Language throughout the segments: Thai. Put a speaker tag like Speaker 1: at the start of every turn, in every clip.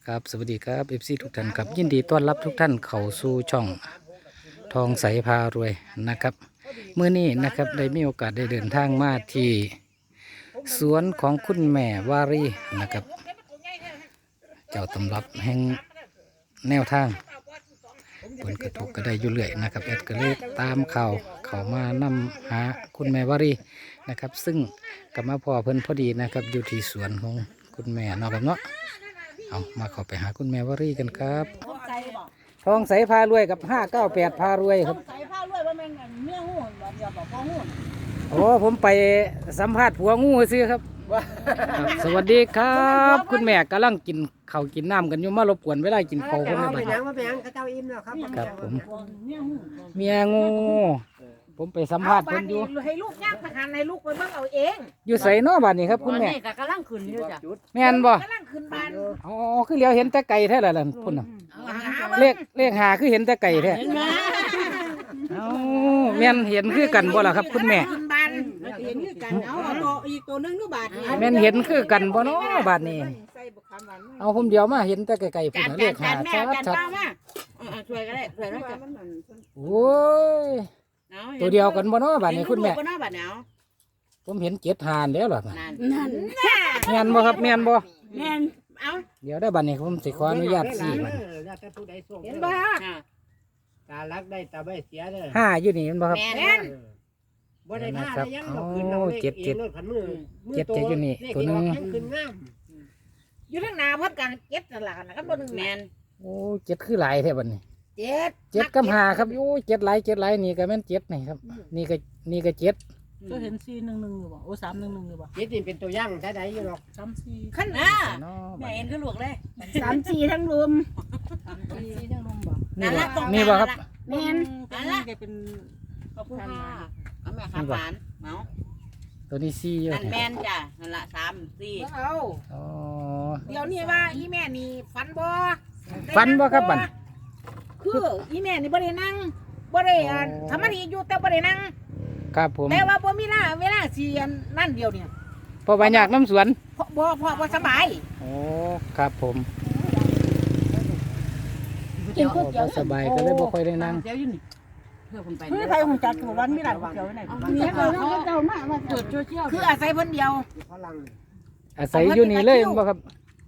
Speaker 1: ครับสวัสดีครับเอฟซีทุกท่านครับยินดีต้อนรับทุกท่านเข้าสู่ช่องทองใสพารวยนะครับเมื่อนี้นะครับได้มีโอกาสได้เดินทางมาที่สวนของคุณแม่วารีนะครับเจ้าตำรับแห่งแนวทางผลกระทบก็ได้อยู่เรื่อยนะครับแอดก็เลยตามข่าวเขามานำหาคุณแม่วารีนะครับซึ่งกับมาพ่อเพิ่นพอดีนะครับอยู่ที่สวนของคุณแม่เนาะครับเนาะเอามาเข้าไปหาคุณแม่วารีกันครับทองใสพารวยกับ598พารวยครับ
Speaker 2: ใส่ผ้าลวยว่าแม่งเนื้อหูเดียวบอกพอหู
Speaker 1: โอ้ผมไปสัมภาษณ์ผัวงูซื้อครับครับสวัสดีครับ คุณแม่กำลังกินข้าวกินน้ำกันอยู่มารบกวนเวลากินข้าวคนในบ้าน
Speaker 3: ว่าเป็นยังกระเจ้าอิ่มแล้วครับ
Speaker 1: ครับผม
Speaker 2: เนื้อหู
Speaker 1: เมียงูผมไปสัมภาษณ์เพิ่นอยู่
Speaker 2: ให้ลูกยากทหารให้ลูกไปเบิ่งเอาเอง
Speaker 1: อยู่ไสเนาะบ้านนี้ครับคุณแม่
Speaker 2: นี่ก็กำลังขึ้นอยู่จ้ะ
Speaker 1: แม่นบ่
Speaker 2: กำลังขึ้นบ้าน
Speaker 1: อ๋อคือเหลียวเห็นแต่ไก่แท้ล่ะพุ่นน่ะเลขหาคือเห็นแต่ไก่แท้เอ้าแม่นเห็นคือกันบ่ล่ะครับคุณแม่
Speaker 2: ขึ้นบ้านเห็นคือกันเอาตัวอีกตัวนึงดูบาท
Speaker 1: แม่นเห็นคือกันบ่เนาะบ้านนี้
Speaker 2: ใส่บุกคำหวาน
Speaker 1: เอาผมเดียวมาเห็นแต่ไก่ๆพุ่นน่ะเลขหา
Speaker 2: แม่
Speaker 1: ชัด
Speaker 2: จัด
Speaker 1: ชัด
Speaker 2: เป้ามาช่วยก็ได้ช่วยก็ได้
Speaker 1: โอ้ยตัวเดียวกันบ่เนาะบ้านนี้คุณแม่
Speaker 2: ก็น่าบาดเนาะ
Speaker 1: ผมเห็น7 หานแล้วล่ะ
Speaker 2: นั่น
Speaker 1: แม่นบ่ครับแม่นบ่
Speaker 2: แม่นเอา
Speaker 1: เดี๋ยวได้บัดนี้ผมสิขออนุญาตสี่บัด
Speaker 2: เห็นบ่
Speaker 3: ตาลักได้ตาไม่เสียเลย
Speaker 1: ห้าอยู่นี่แม่นบ่ครับ
Speaker 2: แม่น
Speaker 3: บ่ได้ท่าได้ยังเราขึ้นเราเจ็ดรถพันมือขึ้นงาม
Speaker 2: อยู่ทางหน้าพัดกันเจ็ดนั่นล่ะนะครับบ่นึงแม่น
Speaker 1: โอ้7คือหลายแท้บัดนี้
Speaker 2: เจ็ด
Speaker 1: 7กับ5ครับโอ้7หลาย7หลายนี่ก็แม่น7นี่ครับนี่ก็7
Speaker 4: ก็เห็น411อยู่บ่โอ้311อยู่บ่
Speaker 3: เจ็ดนี่เป็นตัวย่างได้ได้อยู่หรอก
Speaker 4: 34
Speaker 2: ขั้นหน้า
Speaker 1: เนาะ
Speaker 2: แม่เห็นคือลูกเลย
Speaker 4: 34ทั้งรวม34ทั้งรวมบ่
Speaker 1: นี่บ่นี่บ่ครับ
Speaker 4: แม่นอันนี้ก็เป็น
Speaker 2: ขอบคุณค่ะเอาแม่ข้าวหวานเมา
Speaker 1: ตัวนี้4อยู่
Speaker 2: นั่นแม่นจ้ะนั่นละ3 4เอา
Speaker 1: อ๋อ
Speaker 2: เดี๋ยวนี้ว่าอีแม่นี่ฝันบ่
Speaker 1: ฟันบ่ครับบัด
Speaker 2: คืออีแม่นี่บ่ได้นั่งบ่ได้ทำมันอยู่แต่บ่ได้นั่ง
Speaker 1: ครับผม
Speaker 2: แต่ว่าบ่มีเวลาสินั่นเดียวเนี่ย
Speaker 1: เพราะว่าอยากน้ำสวน
Speaker 2: บ่สบาย
Speaker 1: โอ้ครับผม
Speaker 2: กิน
Speaker 1: โอ้บ่สบายก็เลยบ่ค่อยได้นั่ง
Speaker 2: เดี๋ยวอยู่นี่เพื่อคนไป
Speaker 4: คือใครฮู้จักตัววันมีหลายเกี่ยวไว้ไหน
Speaker 2: เนี่ยเขาเจ้ามาเกิดเชี่ยวคืออาศัยเพิ่นเดียว
Speaker 3: พลัง
Speaker 1: อาศัยอยู่นี่เลยแม่นบ่ครับ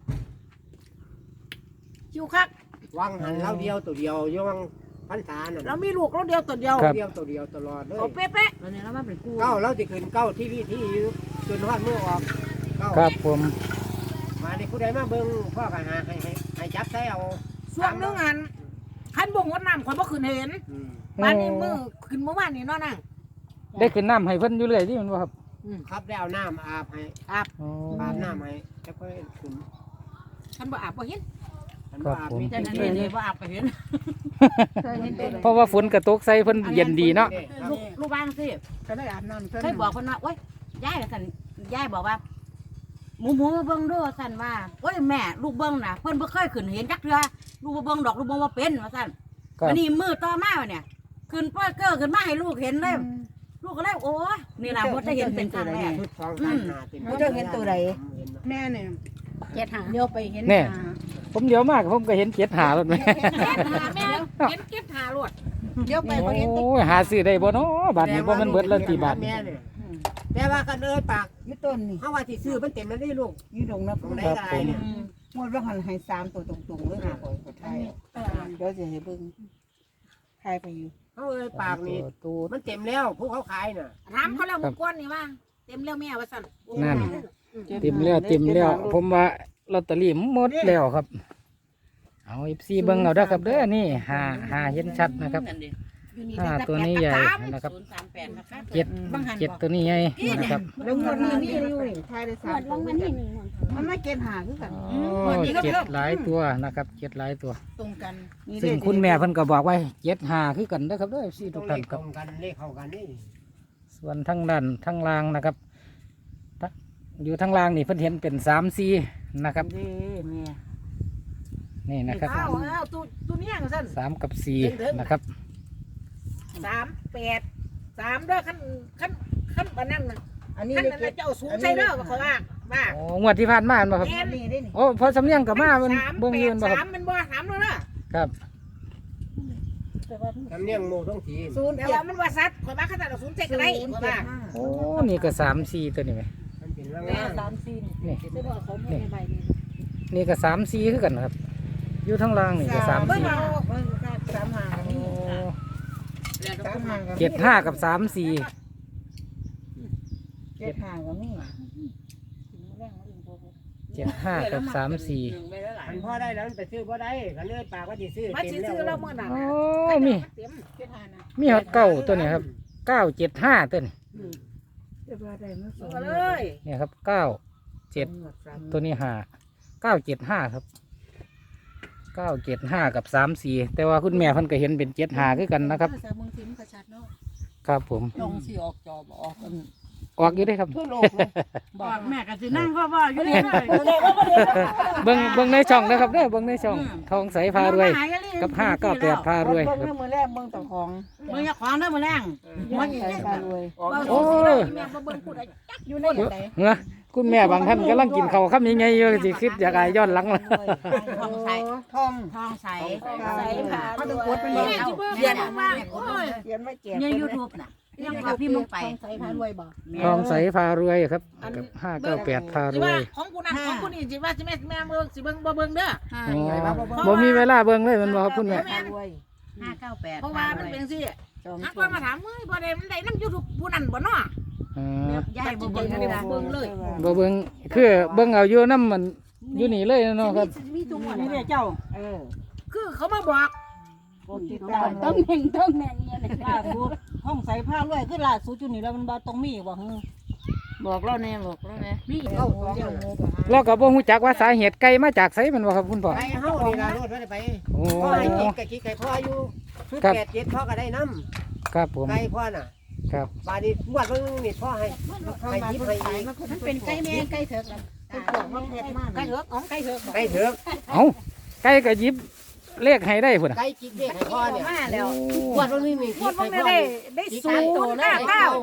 Speaker 2: คิวคัก
Speaker 3: วางหันเราเดียวตัวเดียวย่องพันษาน่ะ
Speaker 2: เรามีลูกเราเดียวตัวเดียว
Speaker 3: เดียวตัวเดียวตลอดเลย
Speaker 2: เอาเป๊ะ
Speaker 4: ตอนนี้เรามาเป็นกู้
Speaker 3: เก้าเราจะขึ้นเก้าที่จนวัดมือออกเก้า
Speaker 1: ครับผม
Speaker 3: มาในผู้ใดมาเบิ่งพ่อก็หาให้จับใส่เอา
Speaker 2: ๆช่วงนึงอันคันบ่งดน้ำข่อยบ่ขึ้นเห็นบ้านนี้มือขึ้นเมื่อวานนี่เนาะนาง
Speaker 1: ได้ขึ้นน้ำให้เพิ่นอยู่เรื่อยนี่แม่นบ่ครับ
Speaker 3: ครับได้เอาน้ำอาบให้
Speaker 1: อ๋อ
Speaker 3: อาบน้ำให้แล้วก็ขึ้น
Speaker 2: คันบ่อาบบ่เห็น
Speaker 3: อาบมี
Speaker 4: แต่นี่นี่บ่อาบก็เห็น
Speaker 1: เพราะว่าฝนกระตกใส่เพิ่นเย็นดีเนาะ
Speaker 2: ลูกบ้านสิ
Speaker 4: ก็ได้อาบน้ำ
Speaker 2: เคยบอกเพิ่นว่าโอ๊ยยายสั่นยายบอกว่าหมูมาเบิ่งเด้อสั่นว่าโอ๊ยแม่ลูกเบิ่งน่ะเพิ่นบ่เคยขึ้นเห็นจักเทื่อลูกบ่เบิ่งดอกลูกบ่ว่าเป็นว่าสั่น
Speaker 1: ครับ
Speaker 2: อันนี้มือต่อมาเนี่ยขึ้นเปิ้ลเก้อขึ้นมาให้ลูกเห็นเลยลูกก็เลยโอ้ยนี่ล่ะบ่ได้เห็นเป็นครั้งแรก
Speaker 4: แม่เนี่ยเดี๋ยวไปเห็น
Speaker 1: ผมเดี๋ยวมากผมก็เห็น7 หาแล้วแม่
Speaker 2: แม่เห็นเก็บหาลวด
Speaker 4: เดี๋ยวไปบ่เห็น
Speaker 1: โอ้ยหาซื้อได้บ่เนาะบาทนี้บ่แมันเบิดแล้วกี่บาท
Speaker 3: แม่เนี่ยแต่ว่ากันเอ้ยปาก
Speaker 4: อยู่ต้นนี่
Speaker 3: เฮาว่าสิซื้อมันเต็มแล้วนี่ลูก
Speaker 4: อยู่ดงนะ
Speaker 3: ของไหนก็ได้เนี่ย
Speaker 4: งวดว่าหันให้3ตัวตรงๆเลยค่ะขอไทยเดี๋ยวจะให้เบิ่งไทยไปอยู่
Speaker 3: เฮาเอ้ยปากนี่
Speaker 1: ตูด
Speaker 3: มันเต็มแล้วผู้เขาขายน่ะ
Speaker 2: ถามเขาแล้วมึงก้อนนี่ว่าเต็มแล้วแม่ว่าสั่น
Speaker 1: นั่นเต็มแล้วผมว่าลอตเตอรี่หมดแล้วครับ เอา FC เบิ่งเอาเด้อครับเด้อนี่หาเห็นชัดนะครับ5ตัวนี้ใหญ่นะครับ
Speaker 2: 038นะคะ
Speaker 1: 7ตัวนี้ใหญ่นะครับ
Speaker 4: แล้วงวดนี้มีอยู่นี่ไทยได้3ตัวมันไม่เกณฑ์หาคือกัน
Speaker 1: อ๋อ7หลายตัวนะครับ7หลายตัว
Speaker 4: ตรงกัน
Speaker 1: ซึ่งคุณแม่เพิ่นก็บอกไว้7 5คือกันเด้อครับเด้อ FC ทุกท่านครับ
Speaker 3: ตรงกันเลขเข้ากันนี่
Speaker 1: ส่วนทั้งด้านทั้งล่างนะครับอยู่ทั้งล่างนี่เพิ่นเห็นเป็น3 4นะครับ
Speaker 4: นี่แม่
Speaker 1: นี่นะครับ
Speaker 2: เอาตัวนี้สั่น
Speaker 1: 3กับ4นะครับ
Speaker 2: 383เด้อขั้นปานนั้นน่ะ
Speaker 4: อันนี้
Speaker 2: ขั้น
Speaker 4: ได้
Speaker 2: นั้น
Speaker 4: เก็บ
Speaker 2: เจ้าสูงใช่เด้อว่าเขาว่า
Speaker 3: ว่า
Speaker 1: โอ้งวดที่ผ่านมาบ่ครับ
Speaker 4: นี่ได้นี่
Speaker 1: โอ้พอสำเนียงกับมามันเบิ่งยืนบ่ครับ
Speaker 3: 3มันบ่ถามแล้วนะครับ
Speaker 5: ทำเนียงโมต้องที
Speaker 3: แต่ว่ามันว่าซัดข่อยว่าเขาจะเอา0 7ก็ได้ข่อยว่า
Speaker 1: โอ้นี่ก็3-4ตัวนี่ไหม
Speaker 5: มันเป็นร่าง
Speaker 1: นี่นี่ก็3-4คือกันครับ อยู่ทั้งล่างนี่ก็
Speaker 3: เบิ่ง
Speaker 1: 3-4
Speaker 3: เอา
Speaker 4: สามหางนี่
Speaker 1: โอ้
Speaker 4: สามหาง
Speaker 1: 7-5กับ3-4
Speaker 4: เจ็ดหางก็มี
Speaker 1: 7-5กับ3-4
Speaker 5: มันพ่อได้แล้วมันไปซื้อพ่อได้กันเลยปากว่าจะซื้อ
Speaker 3: มาสิซื้อแล้วมื้อนั้น
Speaker 1: โอ้มี
Speaker 3: เต็ม
Speaker 1: มีฮอดเก้าตัวนี้ครับ975ตัวนี้
Speaker 4: จะว่าได้มาสอง
Speaker 3: เอาเลย
Speaker 1: เนี่ยครับ97ตัวนี้975ครับ975กับ34แต่ว่าคุณแม่เพิ่นก็เห็นเป็น75คือกันนะครับ
Speaker 4: สามมึงทิมกระชัดเนาะ
Speaker 1: ครับผม
Speaker 4: ลงสิออกจอบ่ออกกัน
Speaker 1: ออกอยู่ได้ครับ
Speaker 5: ทั่วโลก
Speaker 2: บอกแม่ก็สินั่งว่าอยู่นี่เลย
Speaker 1: เบิ่งในช่องนะครับเด้อเบิ่งในช่องทองใสพารวยกับ598พารวย
Speaker 4: เบิ่ง
Speaker 1: ครับ
Speaker 4: มือแรกเบิ่งต่อของ
Speaker 2: มึงอย่าของเด้อมื้อแรง
Speaker 4: มันใส่พารวย
Speaker 1: โอ้ย
Speaker 3: แม่บ่เบิ่งพูดอะไรจัก
Speaker 4: อยู่ในไหน
Speaker 1: เฮ้อคุณแม่บางท่านกำลังกินข้าวคำยังไงอยู่สิคิดอยากอายย้อนหลังละ
Speaker 2: ทองใส
Speaker 4: ทอง
Speaker 2: ทองใส
Speaker 4: ใส่ผ่า
Speaker 2: เขา
Speaker 4: ด้
Speaker 2: ต้
Speaker 4: ว
Speaker 2: องกดเป็น
Speaker 4: ย
Speaker 2: เบิ่งเขียนว่าโอ้ย
Speaker 4: เขียนไม่แก่
Speaker 2: ใน YouTube น่ะยังว่าพี่มึงไป
Speaker 4: ใส่ผ่ารวยบ่
Speaker 1: ทองใสพารวยครับกับ598พาร
Speaker 3: สิ
Speaker 1: ว
Speaker 3: ว่าย ของกูนั่นของกูนี่สิว่าสิแม่เบิ่งสิเบิ่งบ่เบิ่งเด้อ
Speaker 1: อ๋อบ่มีเวลาเบิ่งเลยแมันบ่ครับคุณแม่
Speaker 4: พารวย
Speaker 2: 598
Speaker 3: เพราะว่ามันเป็นสิ
Speaker 4: จอม
Speaker 3: ถ้าคนมาถามเฮ้ยบ่ได้มันได้นำ YouTube ผู้นั้นบ่เนาะ
Speaker 1: อ๋อย
Speaker 2: ายบ่เบิ่งเลยนะ
Speaker 3: เบิ่งเลย
Speaker 1: บ่เบิ่งคือเบิ่งเอาอยู่นำมันอยู่นี่เลยเนาะครับ
Speaker 2: มีทุกวันนี่เจ้า
Speaker 3: คือเขามาบอก
Speaker 4: ติดตาม
Speaker 2: ต้องแม่งเนี่ยเลย
Speaker 6: ล่าสุดห้องใส่ผ้าด้วยคือล่าสุดจุดนี้แล้วมันบ่ต้องมีบ่ฮึ
Speaker 2: บอกเราแน่บอกเราแน่
Speaker 3: มี
Speaker 4: เอา
Speaker 3: เอา
Speaker 4: เดี๋ยว
Speaker 1: เราก็บ่ฮู้จักว่าสาเหตุไก่มาจากไสแมันบ่ครับคุณพ่อ
Speaker 5: ไปเฮานี่ล่ะรถว่าได้ไป
Speaker 1: โอ้
Speaker 5: พ่อให้กินกับกินไก่พ่ออยู่ชุด
Speaker 1: ครับ
Speaker 5: 8 7พ่อก็ได้น้
Speaker 1: ครับผม
Speaker 5: ำไก่พ่อน่ะ
Speaker 1: ครับ
Speaker 5: บาดนี้งวดเบิ่งนี่พ่อให้
Speaker 4: เข้า
Speaker 5: ให้
Speaker 4: มา
Speaker 5: ยิบ
Speaker 4: คน
Speaker 5: ให้
Speaker 4: ขาย
Speaker 5: อีก
Speaker 4: มันเป็นไก่แม่ไก่เถิกเป็นพวกมันเผ็ดมาก
Speaker 3: ไก่เถอะของไก่เถอะ
Speaker 5: ไก่เถอะ
Speaker 1: เอ้าไก่ก็หยิบเลขให้ได้พุ่นน่ะ
Speaker 5: ไก่จิกเด็กให้พ่อเนี่ย
Speaker 3: มาแล้ว
Speaker 5: งวดเบิ่งนี่มี
Speaker 3: งวดบ่ได้ได้
Speaker 5: จิก
Speaker 3: ศู
Speaker 5: ให้
Speaker 3: น
Speaker 5: โต
Speaker 3: ย์
Speaker 5: เลย
Speaker 3: เก้า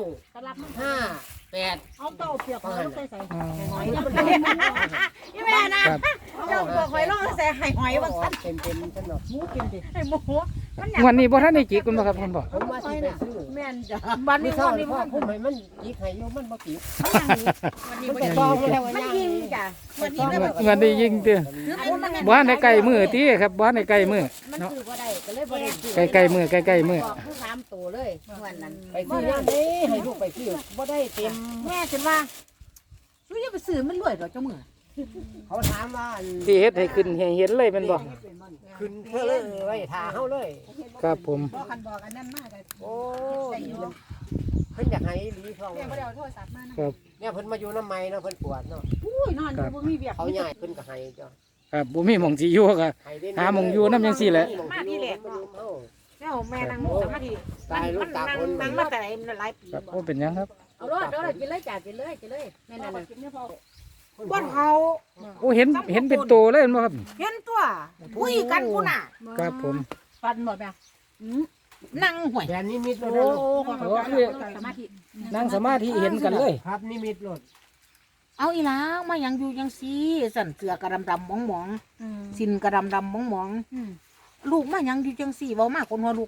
Speaker 5: 5 8
Speaker 6: เอาเต้าเปียกมาใส่ใส่
Speaker 1: อ๋อ
Speaker 3: หอยนี่แม่นะครับ เจ้าบอกหอยลงใส่ไข่หอยว่าซั่น
Speaker 5: เต็มๆซั่นเนาะ
Speaker 3: ไอ้หมูมันอยาก
Speaker 1: งวันนี้บ่ทันได้จิกคุณบ่ครับคุณพ่อ
Speaker 5: ผมว่าสิไปซื้อ
Speaker 3: แม่นจ้ะบัด
Speaker 5: มี
Speaker 3: นี้
Speaker 5: เท่า
Speaker 3: วัน
Speaker 5: นี้
Speaker 3: นี้
Speaker 5: พ่อ
Speaker 3: มัน
Speaker 5: ผมให้มันจิกให้อยู่มันบ่จิก
Speaker 3: วันนี้
Speaker 5: มัน
Speaker 3: มัน
Speaker 5: จะต้องแล้วว่า
Speaker 3: มัน
Speaker 5: ย่าง
Speaker 3: ยิงจ้ะวันนี้แล้ว
Speaker 1: งวันนี้ยิงเด้อ
Speaker 3: คือมัน
Speaker 1: บ่ทันได้ใกล้มื้อติครับบ่ทันได้ใกล้มื้อ
Speaker 2: มัน
Speaker 1: เนาะ
Speaker 2: คือบ่ได้ก็เลยบ่ได้ซื้อ
Speaker 1: ใกล้ๆมื้อใกล้ๆมื้อ
Speaker 2: บอกคือ3ตัวเลยวันนั้น
Speaker 5: ไปซื้อยามเด้ให้ลูกไปซื้อบ่ได้เต็ม
Speaker 3: แม่ฉันว่าช่วยอย่าไปซื้อมันรวยดอกเจ้ามือ
Speaker 5: เขาถามว่าอัน
Speaker 1: ที่เฮ็ดให้ขึ้นให้เห็นเลยแม่นบ่
Speaker 5: ขึ้นเพื่อเลยไว้ท่าเฮาเลย
Speaker 1: ครับผม
Speaker 4: บอกคันบอกอันนั้นมากเลย
Speaker 5: โอ้เพิ่นอยากให้หลีท้อง
Speaker 4: แม่ก็ได้เอาโทรศัพท์มานะครับ
Speaker 5: เนี่ยเพิ่นมาอยู่น้ำไม้เนาะเพิ่นปวดเนาะ
Speaker 3: อุ้ยนอนอยู่บ่มีเวียก
Speaker 5: เขาใหญ่เพิ่นก็ให้จ้ะ
Speaker 1: ครับบ่มีหม่องสิอยู่ก็
Speaker 5: ให้ได้
Speaker 1: หาหม้องอยู่นำจังซี่แหละ
Speaker 3: มาที่แหลกเนาะ
Speaker 5: เฮา
Speaker 3: แล้วแม่นั่งสมาธิ
Speaker 5: ตายลูกตาคน
Speaker 3: นั่งมาแต่หลายปี
Speaker 1: ครับบ่เป็นหยังครับ
Speaker 2: เอารอดเด้อกินเลยจ้ะกินเลยแม่นั่นน่ะ
Speaker 3: บ่เฮา
Speaker 1: โอ้เห็นเป็นโตเลยแม่นบ่ครับ
Speaker 3: เห็นตัวคุยกันพุ่นน่ะ
Speaker 1: ครับผม
Speaker 6: ฟันบ่แม่
Speaker 3: นั่งห่วย
Speaker 5: แดนนิมิตรถ
Speaker 1: โอ้
Speaker 5: เด้อ
Speaker 1: โหคือ
Speaker 2: สมาธิ
Speaker 1: นั่งสมาธิเห็นกันเลย
Speaker 5: ครับนิมิตรถ
Speaker 3: เอาอีหลามายังอยู่จังซี่สั่นเสือกระดำๆหมองๆสินกระดำๆหมองๆลูกมายังอยู่จังซี่เว้ามาคนหัวลูก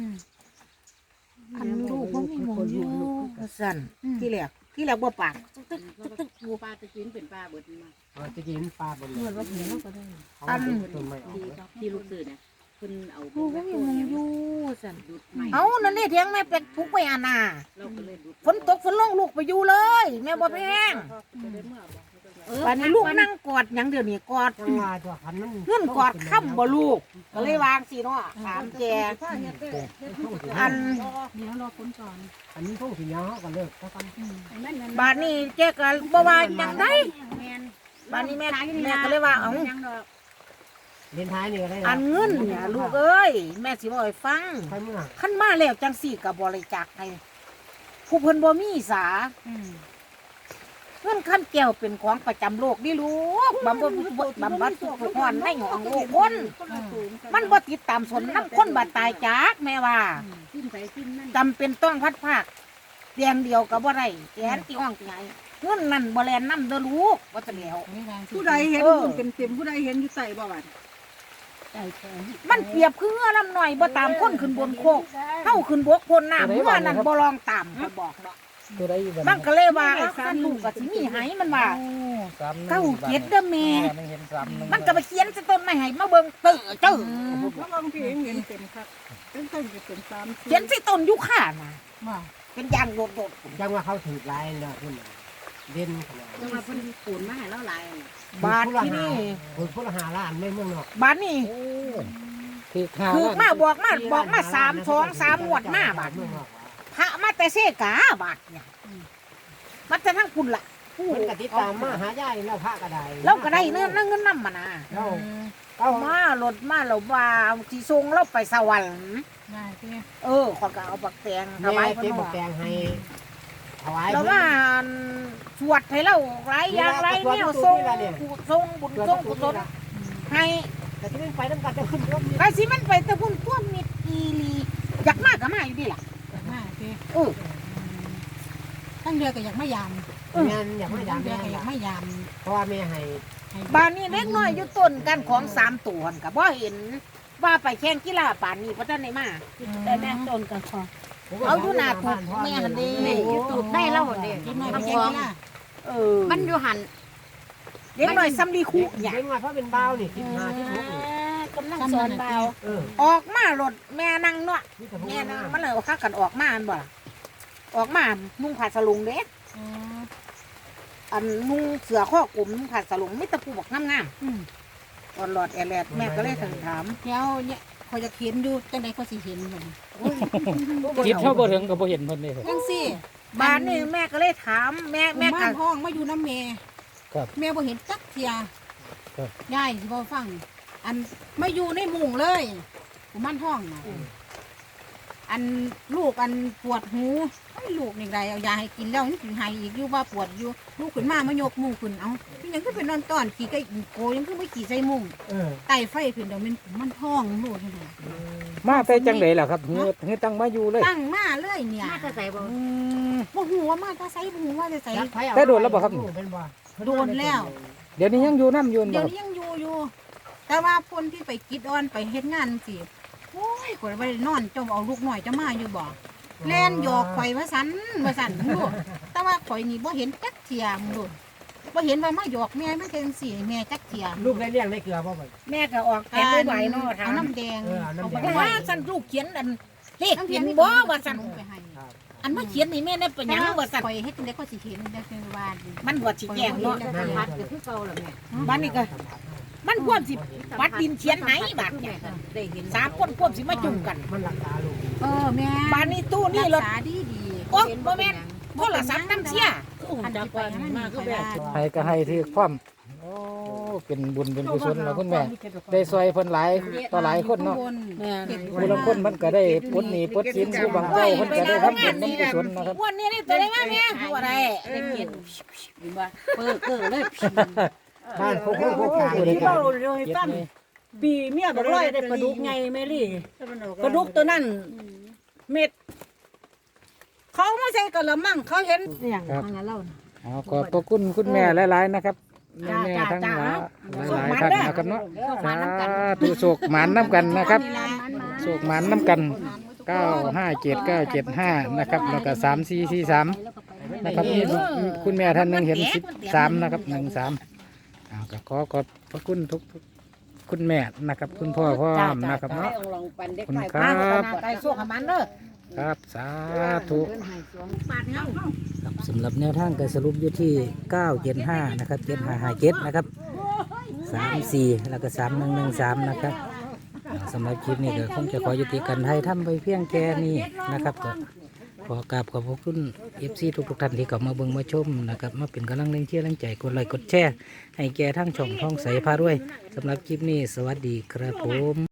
Speaker 3: อันลูกบ่มีหมองอยู่สั่นที่แรกบ่ปากตึกๆ
Speaker 2: ปลาตะกินเป็นปลาเบิดมา
Speaker 5: จะกินปลาบน
Speaker 2: เมื่อว่าเห็นเราก็ได้
Speaker 5: อันต้นไม้ออก
Speaker 2: ที่ลูกซื้อเนี่ยเพิ่นเอา
Speaker 3: ลูกบ่มีหมองอยู่สั่น
Speaker 2: ดุดใหม่
Speaker 3: เอานั่นนี่เถียงแม่เป็ดทุกไปอานา
Speaker 2: เราก็เลยดุด
Speaker 3: ฝนตกฝนลงลูกไปอยู่เลย แม่บ่แพงป่านนี้ลูกนั่งกอดหยังเดี๋ยวนี้กอด
Speaker 5: จังหวะตัวคันมัน
Speaker 3: เงื่อนกอดค่ำบ่ลูกก็เลยวางสิเนาะถามแกอัน
Speaker 6: เดี๋ยวรอคนก่อน
Speaker 5: อันนี้ท่องสิยาวเฮาก็เลิกแล้วกัน
Speaker 3: บาดนี้แกก็บ่ว่าหยังได้บาดนี้แม่ก็เลยว่าเอ้า
Speaker 5: เรียนท้ายนี่ก็ได้
Speaker 3: อันเงินเนี่ยลูกเอ้ยแม่สิบ่ให้ฟัง
Speaker 5: ใครเมื่อ
Speaker 3: คันมาแล้วจังสี่ก็บริจาคให้ผู้เพิ่นบ่มีสาเงินคันแก้วเป็นของประจำโลกนี่ลูกบำบัดทุกข์ร้อนในหองโลกคน มันบ่ติดตามสนน้ำคนบาดตายจากแม่ว่า
Speaker 2: กินไปกินนั่น
Speaker 3: จำเป็นต้องพัดภาคเตียงเดียวกับบ่ได้แขนที่ห้องที่ไหนเงินนั่นบ่แลนนำเด้อลูกว่าจะแล้ว
Speaker 4: ผู้ใดเห็น
Speaker 3: เออ
Speaker 4: เต็มๆผู้ใดเห็นอยู่ใต้บ่บัด
Speaker 3: มันเปรียบคือเงือลำหน่อยบ่ตามคนขึ้นบนโคกเฮาขึ้นบกพ้นน้ำเมื่อนั้นบ่ลองตามเขาบอกเนาะ
Speaker 1: ตัวใดอยู่บ้าน
Speaker 3: มันก็เลยว่าเอาคันลูกก็สิมีให้มันว่า เก้าเจ็ดเด้อแม่
Speaker 1: เห็นซ้ำ
Speaker 3: มันก็ไปเขียนใส่ต้นไม้ให้มาเบิ่งเตื้อเจ้อ
Speaker 4: แล้วบางทีเห็นเต็มครับต้นๆก็เป็น3
Speaker 3: เขียนใส่ต้นยูคาน่ะ
Speaker 6: ว่า
Speaker 3: เป็นยางโดด
Speaker 5: จังว่าเขาถือลายแล้วพุ่นน่ะเด่นขนาด
Speaker 2: จังว่าเพิ่นปูนมาให้เราหลาย
Speaker 3: ๆบาทที่นี่
Speaker 5: คนพุทธหาล้านไม่เมืองนอก
Speaker 3: บาทนี่
Speaker 1: คือข้า
Speaker 3: คือมาบอกมา3 งวดมาบาท
Speaker 5: เมืองนอก
Speaker 3: พระมาแต่เสกาบาทเนี่ยมันจะทั้งคุณล่ะผู้
Speaker 5: มันก็ติดตามมาหายายแล้วพระก็ได้
Speaker 3: เราก็ได้เงินนำมานะ
Speaker 5: เรา
Speaker 3: เอามารถมาเราว่าสิส่งเราไปสวรรค์
Speaker 6: ได้ที่
Speaker 3: ขอยก็เอาบักแตงถ
Speaker 5: แม่
Speaker 3: วาย
Speaker 5: เก็บ
Speaker 3: เพิ่น
Speaker 5: บักแตงให้ถวาย
Speaker 3: เราว่าสวดให้เราหลายอย่างหลายแนวส่งบุญส่งกุศลให้
Speaker 5: แต่ที่มันไปน้ำกันจะขึ้นรถ
Speaker 3: ไปสิมันไปแต่พุ่นท่วมมิดอีหลีอยากมากก็มาอยู่ดีล่ะ
Speaker 6: มาที่
Speaker 3: เออ
Speaker 6: ทั้งเดือก็อยากไม่ยาม
Speaker 5: งานอยากไม่
Speaker 6: ทั้
Speaker 5: ดาง
Speaker 6: เดื
Speaker 5: แม่
Speaker 6: อก็อยากไม่ยาม
Speaker 5: เพราะว่าแม่ให้
Speaker 3: บ้านนี้เล็กน้อยอยู่ต้นกันของ3ตัวหั่นก็บ่เห็นว่าไปแข่งกีฬาป่านนี้บ่ทันได้มา
Speaker 2: แต่แม่ต้นกันขอ
Speaker 3: เอาอยู่หน้าถูกแม่หันเด้
Speaker 2: แม่อยู่ตูดได้เล่าเด้
Speaker 6: กินหน่อย
Speaker 2: ทำ
Speaker 6: ไป
Speaker 2: ข
Speaker 6: แก
Speaker 2: อง
Speaker 6: งล่ะ
Speaker 2: มันอยู่หัน
Speaker 3: เล็กน้อยซ้ำดีคุเนี่ย
Speaker 5: เห็นว่าเพราะเป็นบ้าวนี่15 16นี่
Speaker 2: กำลังสอนเบา
Speaker 3: ออกมารถแม่นั่งเนาะ
Speaker 5: นี่แต่พวก
Speaker 3: แม่
Speaker 5: นั้
Speaker 3: นั่ง
Speaker 5: น
Speaker 3: มันเลยเอาคักกันออกมาอันบ่ล่ะออกมานุ่งผ้าสลุงเด้ อันนุ่งเสือข้อกลมนุ่งผ้าสลุงไม่ตะปูบอกงามๆอ่อนหลอดแอแลดแม่ก็เลยถึงถาม
Speaker 6: เดี๋ยวเนี่ยเขาจะเขียนอยู่จังใดเขาสิเห็นบ่
Speaker 1: จิตเท่าบ่ถึงก็บ่เห็นเพิ่นเลย
Speaker 6: จังซี่
Speaker 3: บ้านนี่แม่ก็เลยถามแม่
Speaker 6: แม่
Speaker 3: ก็
Speaker 6: ห้องมาอยู่น้ำแม่
Speaker 1: ครับ
Speaker 6: แม่บ่เห็นจักเทีย
Speaker 1: ครับ
Speaker 6: ยายสิบ่ฟัง อันไม่อยู่ในมุ้งเลยกูมันห้องน่ะอันลูกอันปวดหูไอ้ลูกนี่ใดเอายาให้กินแล้วนี่ถึงหายอีกอยู่ว่าปวดอยู่ลูกขึ้นมามายกมุ้งขึ้นเอาพี่ยังคือเป็นนอนตอนขี่ไก่โกยังคือไม่ขี่ใส่มุ้งไต่ไฟขึ้นเดี๋ยวมันห้องลูกนี่น่ะ
Speaker 1: มาแต่จังไดล่ะครับเฮือตั้งมาอยู่เลย
Speaker 6: ตั้งมาเลยเนี่ย
Speaker 2: แม่จะใส่บ่
Speaker 6: บ่หูว่ามาจะใส่บ่หูว่าจะใส่
Speaker 1: แต่โดนแล้วบ่ครับ
Speaker 5: เป็นบ่
Speaker 6: โดนแล้ว
Speaker 1: เดี๋ยวนี้ยังอยู่น้ำอยู่
Speaker 6: เดี๋
Speaker 1: บ่
Speaker 6: ยวนี้ยังอยู่ แต่ว่าคนที่ไปกิดออนไปเฮ็ดงานสิโอ้ยกว่าไปนอนจมเอาลูกหน่อยจะมาอยู่บ่แล่นหยอกข่อยว่าสันลูกแต่ว่าข่อยนี่บ่เห็นจักเทียมลูกบ่เห็นว่ามาหยอกแม่มันเป็นสิแม่จักเทียม
Speaker 5: ลูกได้เลี้ยงได้เกลือบ่บ่
Speaker 3: แม่ก็ออกแกไปไหวเนาะถา
Speaker 6: เอา
Speaker 3: ม
Speaker 6: น้ำแดง
Speaker 5: เอาน้ำแดง
Speaker 6: ไป
Speaker 3: ว่า
Speaker 6: ให้
Speaker 3: สั่นลูกเขียนอันเลข
Speaker 6: น้ำแด
Speaker 3: เขีย
Speaker 6: ง
Speaker 3: น
Speaker 6: นี่
Speaker 3: บ่ว่าสั่น
Speaker 6: ไปให้
Speaker 3: อันมาเขียนให้แม่ได้เป็นหยังว่าสั่น
Speaker 6: ข่อยเฮ็ดจังได๋ก็สิเห็นได้เป็นว่า
Speaker 3: มันบ่สิแจ้งเนาะ
Speaker 2: สัมผัสก็คือเก่าแล้วแม่
Speaker 3: บ้านนี้ก็มันควรสิวัดดินเขียนไหนบาดเนี่ย
Speaker 2: ได้เห็น
Speaker 3: 3 คนควรสิมาจุ่มกัน
Speaker 5: มันรักษาลูก
Speaker 6: แม่
Speaker 3: บ้านนี้ตู้นี่รถ
Speaker 6: รักษาดี
Speaker 3: โอ๊ยบ่แม่นโทรศัพท์น้ำเสีย
Speaker 6: อันจะไปให้มันมีคือว่า
Speaker 1: ให้ก็ให้ถือความโอ้เป็นบุญเป็นกุศลแล้วคุณแม่ ได้ซอยเพิ่นหลายต่อหลายคนเนาะ ผู้ลางคนมันก็ได้ปลดหนี้ปลดสินผู้บางเจ้าเพิ่นก็ได้ทำบุญน้ำกุศลนะครับ
Speaker 3: วันนี้นี่ตัวได้มาแม่ตัวใด
Speaker 2: ได้เกียรติดีว่าเปิดเกิดเลย
Speaker 5: บ้านโคกโคกกลาง
Speaker 1: ผู้ใด
Speaker 5: นี่
Speaker 1: ก็
Speaker 4: เล่าเลยตั้งปีเมียบอกร้อยได้ปลาดุกไงแม่ลี่ปลาดุกตัวนั้นเม็ด เขาไม่ใช่กะละมังเขาเห็นอย่าง
Speaker 1: ครับ
Speaker 6: ทางนั้นเล่า
Speaker 1: ขอบพระคุณคุณแม่หลายๆนะครับแม่ทั้งหลายท่านนะครับเนาะสาธุโศกหมานน้ำกันนะครับโศกหมานน้ำกัน957975นะครับแล้วก็3443นะครับนี่คุณแม่ท่านหนึงเห็น13นะครับ13ก็ขอบพระคุณทุกคุณแม่นะครับ คุณพ่อพ่อนะครับเนาะ
Speaker 2: ลองปันเด็ก
Speaker 1: คุณ
Speaker 2: ไก่
Speaker 1: ค
Speaker 3: มา
Speaker 1: รับ
Speaker 3: ไก่สู้กับมันเด้อ
Speaker 1: ครับสาธุ
Speaker 2: เดินหายสวงปาดเงา
Speaker 1: ครับสำหรับแนวทางการสรุปอยู่ที่975นะครับ7557นะครับ34แล้วก็3113นะครับสำหรับคลิปนี้ก็คงจะขอยุติการให้ทำไปเพียงแค่นี้นะครับก็ขอกราบขอบพระคุณ FC ทุกท่านที่เข้ามาเบิ่งมาชมนะครับมาเป็นกำลังแรงเชียร์แรงใจกดไลค์กดแชร์ให้แก่ทั้งช่องท่องใสพาด้วยสำหรับคลิปนี้สวัสดีครับผม